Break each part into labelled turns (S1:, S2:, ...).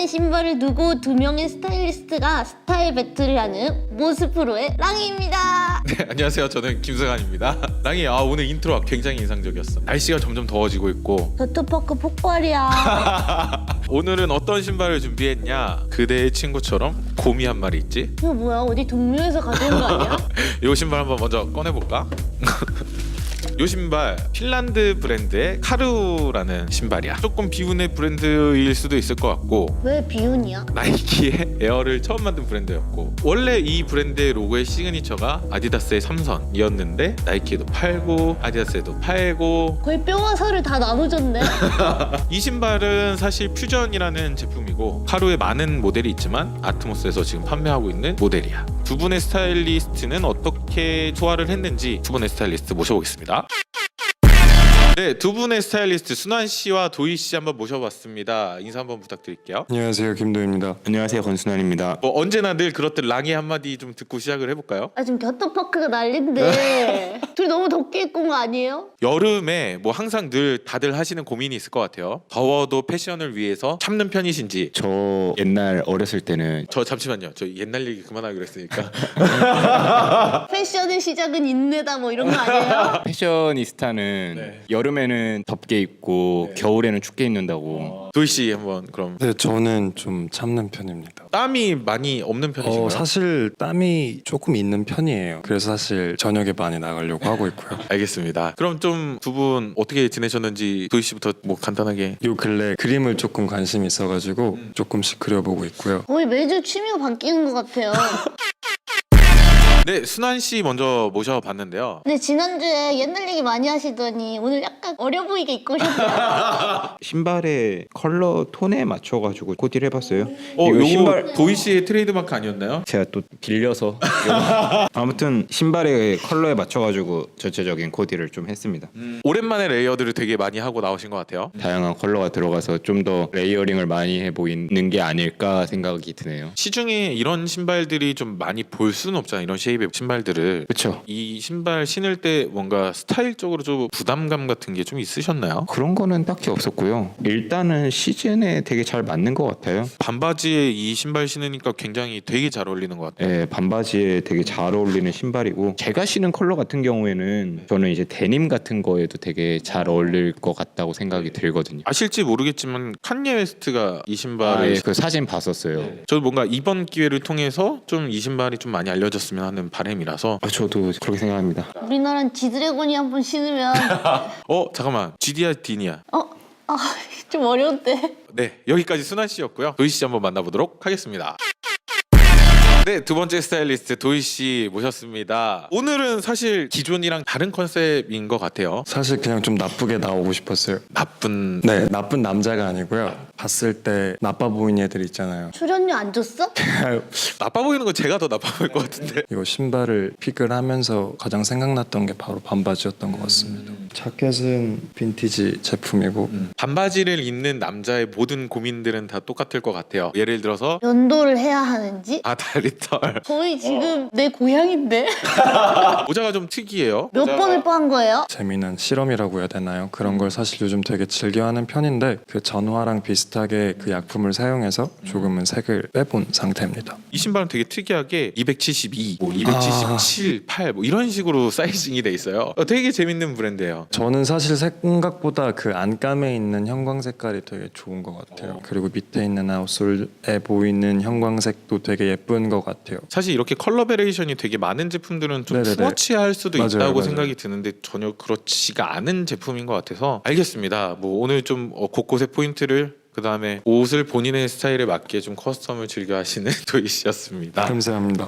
S1: 하나의 신발을 두고 두 명의 스타일리스트가 스타일 배틀을 하는 모스프로의 랑이입니다.
S2: 네, 안녕하세요. 저는 김승환입니다. 랑이 오늘 인트로가 굉장히 인상적이었어. 날씨가 점점 더워지고 있고
S1: 워터파크 폭발이야.
S2: 오늘은 어떤 신발을 준비했냐? 그대의 친구처럼 곰이 한 마리 있지?
S1: 이거 뭐야? 어디 동묘에서 가져온 거 아니야?
S2: 이 신발 한번 먼저 꺼내볼까? 이 신발 핀란드 브랜드의 카루라는 신발이야. 조금 비운의 브랜드일 수도 있을 것 같고
S1: 왜 비운이야?
S2: 나이키의 에어를 처음 만든 브랜드였고 원래 이 브랜드의 로고의 시그니처가 아디다스의 삼선이었는데 나이키에도 팔고 아디다스에도 팔고
S1: 거의 뼈와 살을 다 나눠줬네.
S2: 이 신발은 사실 퓨전이라는 제품이고 카루의 많은 모델이 있지만 아트모스에서 지금 판매하고 있는 모델이야. 두 분의 스타일리스트는 어떻게 소화를 했는지 두 분의 스타일리스트 모셔보겠습니다. 네, 두 분의 스타일리스트 순환 씨와 도희 씨 한번 모셔봤습니다. 인사 한번 부탁드릴게요.
S3: 안녕하세요, 김도희입니다.
S4: 안녕하세요, 권순환입니다.
S2: 뭐 언제나 늘 그렇듯 랑이 한마디 좀 듣고 시작을 해볼까요?
S1: 지금 워터파크가 난린데 둘이 너무 덥게 입고 온 거 아니에요?
S2: 여름에 뭐 항상 늘 다들 하시는 고민이 있을 것 같아요. 더워도 패션을 위해서 참는 편이신지.
S4: 저 옛날 어렸을 때는
S2: 저 잠시만요. 저 옛날 얘기 그만하기로 했으니까.
S1: 패션의 시작은 인내다 뭐 이런 거 아니에요?
S4: 패셔니스타는
S2: 네.
S4: 여름에는 덥게 입고 겨울에는 춥게 입는다고.
S2: 도희 씨 한번 그럼.
S3: 네, 저는 좀 참는 편입니다.
S2: 땀이 많이 없는 편이신가요?
S3: 사실 땀이 조금 있는 편이에요. 그래서 사실 저녁에 많이 나가려고 하고 있고요.
S2: 알겠습니다. 그럼 좀 두 분 어떻게 지내셨는지 도희 씨부터 뭐 간단하게.
S3: 요 근래 그림을 조금 관심이 있어가지고 조금씩 그려보고 있고요.
S1: 거의 매주 취미가 바뀌는 것 같아요.
S2: 네, 순환 씨 먼저 모셔봤는데요.
S1: 근데 지난주에 옛날 얘기 많이 하시더니 오늘 약간 어려 보이게 입고 오셨어요.
S4: 신발의 컬러 톤에 맞춰가지고 코디를 해봤어요.
S2: 요거
S4: 신발
S2: 도희 씨의 트레이드마크 아니었나요?
S4: 제가 또 빌려서 아무튼 신발의 컬러에 맞춰가지고 전체적인 코디를 좀 했습니다.
S2: 오랜만에 레이어드를 되게 많이 하고 나오신 것 같아요.
S4: 다양한 컬러가 들어가서 좀 더 레이어링을 많이 해 보이는 게 아닐까 생각이 드네요.
S2: 시중에 이런 신발들이 좀 많이 볼 수는 없잖아요. 이런 쉐입의 신발들을.
S4: 그렇죠.
S2: 이 신발 신을 때 뭔가 스타일적으로 좀 부담감 같은 게 좀 있으셨나요?
S4: 그런 거는 딱히 없었고요. 일단은 시즌에 되게 잘 맞는 것 같아요.
S2: 반바지에 이 신발 신으니까 굉장히 되게 잘 어울리는 것 같아요.
S4: 네, 반바지에 되게 잘 어울리는 신발이고 제가 신은 컬러 같은 경우에는 저는 이제 데님 같은 거에도 되게 잘 어울릴 것 같다고 생각이 들거든요.
S2: 아실지 모르겠지만 칸예 웨스트가 이 신발을
S4: 예, 그 사진 봤었어요.
S2: 저도 뭔가 이번 기회를 통해서 좀 이 신발이 좀 많이 알려졌으면 하는 바람이라서.
S4: 저도 그렇게 생각합니다.
S1: 우리나라는 지드래곤이 한 번 신으면
S2: 잠깐만 GDR 디니아.
S1: 좀 어려운데.
S2: 네, 여기까지 순환 씨였고요. 도희 씨 한번 만나보도록 하겠습니다. 네, 두 번째 스타일리스트 도희 씨 모셨습니다. 오늘은 사실 기존이랑 다른 컨셉인 것 같아요.
S3: 사실 그냥 좀 나쁘게 나오고 싶었어요.
S2: 나쁜.
S3: 네, 나쁜 남자가 아니고요. 봤을 때 나빠 보이는 애들 있잖아요.
S1: 출연료 안 줬어?
S2: 나빠 보이는 건 제가 더 나빠 보일 것 같은데.
S3: 이거 신발을 픽을 하면서 가장 생각났던 게 바로 반바지였던 것 같습니다. 자켓은 빈티지 제품이고
S2: 반바지를 입는 남자의 모든 고민들은 다 똑같을 것 같아요. 예를 들어서
S1: 연도를 해야 하는지?
S2: 다리털.
S1: 거의 지금 내 고향인데?
S2: 모자가 좀 특이해요.
S1: 몇 번을 뽀한 거예요?
S3: 재미난 실험이라고 해야 되나요? 그런 걸 사실 요즘 되게 즐겨하는 편인데 그 전화랑 비슷하게 그 약품을 사용해서 조금은 색을 빼본 상태입니다.
S2: 이 신발은 되게 특이하게 272, 뭐 277, 8 뭐 이런 식으로 사이징이 돼 있어요. 되게 재밌는 브랜드예요.
S3: 저는 사실 생각보다 그 안감에 있는 형광 색깔이 되게 좋은 것 같아요. 그리고 밑에 있는 아웃솔에 보이는 형광색도 되게 예쁜 것 같아요.
S2: 사실 이렇게 컬러 베리에이션이 되게 많은 제품들은 좀
S3: 네네네.
S2: 투머치할 수도
S3: 맞아요,
S2: 있다고
S3: 맞아요.
S2: 생각이 드는데 전혀 그렇지가 않은 제품인 것 같아서 알겠습니다. 뭐 오늘 좀 곳곳에 포인트를 그 다음에 옷을 본인의 스타일에 맞게 좀 커스텀을 즐겨 하시는 도희 씨였습니다.
S3: 감사합니다.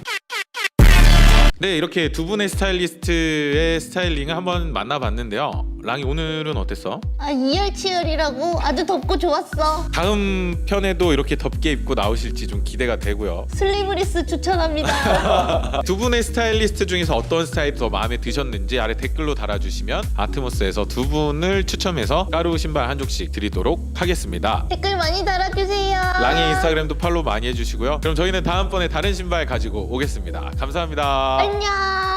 S2: 네, 이렇게 두 분의 스타일리스트의 스타일링을 한번 만나봤는데요. 랑이 오늘은 어땠어?
S1: 이열치열이라고 아주 덥고 좋았어.
S2: 다음 편에도 이렇게 덥게 입고 나오실지 좀 기대가 되고요.
S1: 슬리브리스 추천합니다.
S2: 두 분의 스타일리스트 중에서 어떤 스타일이 더 마음에 드셨는지 아래 댓글로 달아주시면 아트모스에서 두 분을 추첨해서 까루 신발 한 족씩 드리도록 하겠습니다.
S1: 댓글 많이 달아주세요.
S2: 랑의 인스타그램도 팔로우 많이 해주시고요. 그럼 저희는 다음번에 다른 신발 가지고 오겠습니다. 감사합니다.
S1: 안녕.